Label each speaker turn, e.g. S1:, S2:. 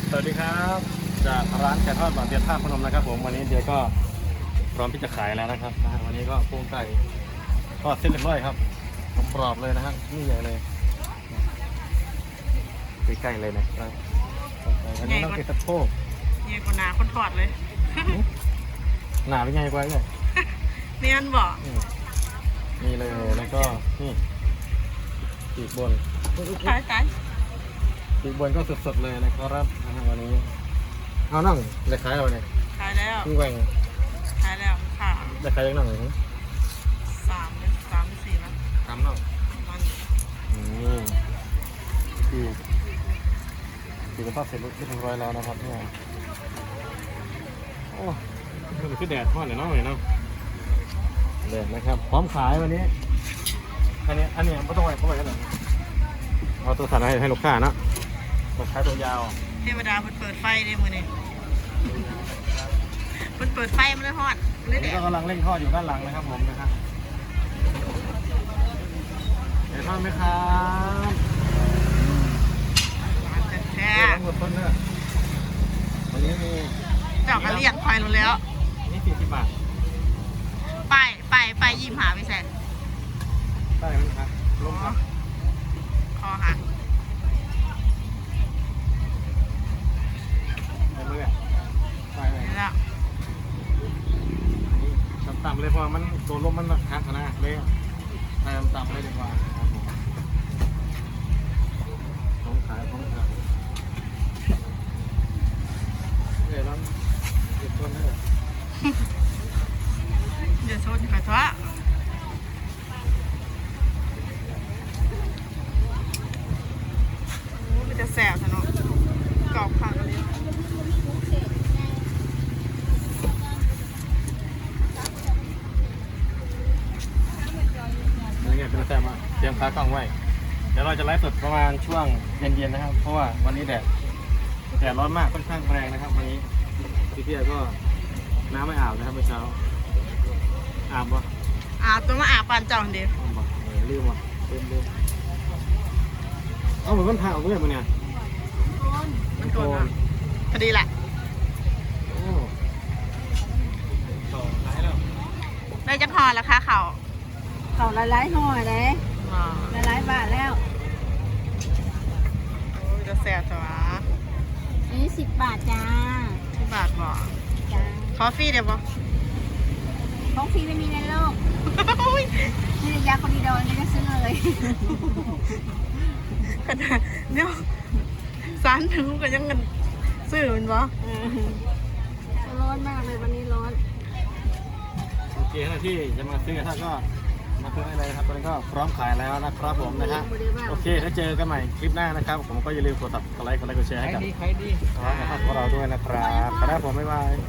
S1: สวัสดีครับจากร้านไก่ทอดบางเดียท่าพนมนะครับผมวันนี้เดียก็พร้อมที่จะขายแล้วนะครับวันนี้ก็โครงไก่ทอดเส้นเรียบร้อยครับกรอบเลยนะฮะนี่ใหญ่เลยใกล้ๆเลยนะครับอันนี้ต้องกินสะโพก
S2: ใหญ่กว่าหนาคนถอดเลย
S1: หนาหรือไงกว่าเนี่ย
S2: เนียนบอก
S1: นี่เลยแล้วก็นี่ปีกบน
S2: ขาย
S1: ปีกบนก็สดๆเลยนะครับวันนี้เอานั่งจะขายเราเนี่ย
S2: ขายแล้ว
S1: พี่แหวง
S2: ขายแล้วค่ะ
S1: จะขายยังนั่งเลย
S2: 3 หรือ4นะ
S1: ทำนั่ง
S2: มัน
S1: ปีกระทอดเสร็จเรียบร้อยแล้วนะครับเนี่ยโอ้มันคือแดดทอดเนี่ยเนาะเลยเนาะแดดนะครับพร้อมขายวันนี้อันนี้ไม่ต้องไว้เข้าไปกันหรอกเอาตัวสัตว์ให้ลูกค้านะตัวใช้ตัวยาว
S2: เทวดาเปิดไฟได้มือนี่เปิดไฟมันเลยฮอดเลย
S1: นี่
S2: แด
S1: ก็
S2: ด
S1: กำลังเร่งทอดอยู่ด้านหลังนะครับผมนะครับเดี๋ยวทอดไหมครับ
S2: แท้
S1: หมดต้นเนื้อวันนี้มี
S2: เจ้ากระเลียงไฟลงแล้ว
S1: นี่40 บาท
S2: ไปยิ้มหาไปแสน
S1: ได้ไหมครับลงครับ
S2: คอหัก
S1: ไปเมื่อไปเลย
S2: นี่แล้ว
S1: ต่ำๆเลยเพราะมันตัวลมมันหักนะเลยไปต่ำๆเลยดีกว่าครับผมของขายเดี๋ยวเราเก็บต้นให้
S2: เดี๋ยวโซนไปทั่วมันจะแสบซะเนาะกรอบผักเลย
S1: นี่ไงเป็นแซ่บมากเตรียมค้ากล้องไว้เดี๋ยวเราจะไลฟ์สดประมาณช่วงเย็นๆนะครับเพราะว่าวันนี้แดดร้อนมากค่อนข้างแรงนะครับวันนี้พี่เพียก็น้ำไม่อาบนะครับเมื่อเช้าอาบปะ
S2: ตัวมาอาบปานเจ้าเดียว
S1: อาบปะลืมว่ะลืมเอาเหมือนมันผ่าออกเลยมันเนี่ย
S2: มันโกนนะพอดีแหละ
S1: โอ้ต่อขายแล้ว
S2: ได้จะพอแล้วค่ะเขา
S3: เขาหลายๆห่อเลย
S2: อ๋อ
S3: หลายๆบาทแล้ว
S2: โอ้ยจะแสบจ้ะ
S3: อันนี้10 บาทจ้า
S2: ที่บาทบอก
S3: จ้า
S2: คอฟฟี่เดี๋ยวบอก
S3: ของฟรีไม่มีในโลก
S2: โอ้ย
S3: นี่ยาคอมิโดนนี่ก็ซื้อเลย
S2: ขนาดเดี๋ยวสารถึงก็ยังเงินซื้อมันบ่
S3: ร้อนมากเลยวันนี้ร้อน
S1: โอเคนะที่จะมาซื้อถ้าก็มาซื้อได้เลยครับตอนนี้ก็พร้อมขายแล้วนะครับผมนะฮะโอเคถ้าเจอกันใหม่คลิปหน้านะครับผมก็อย่าลืมกดติดตามกดไลค์กดแชร์ให้กับ
S4: ใครดี
S1: น้องนะครับพวกเราด้วยนะครับขอบคุณผมบ๊ายบาย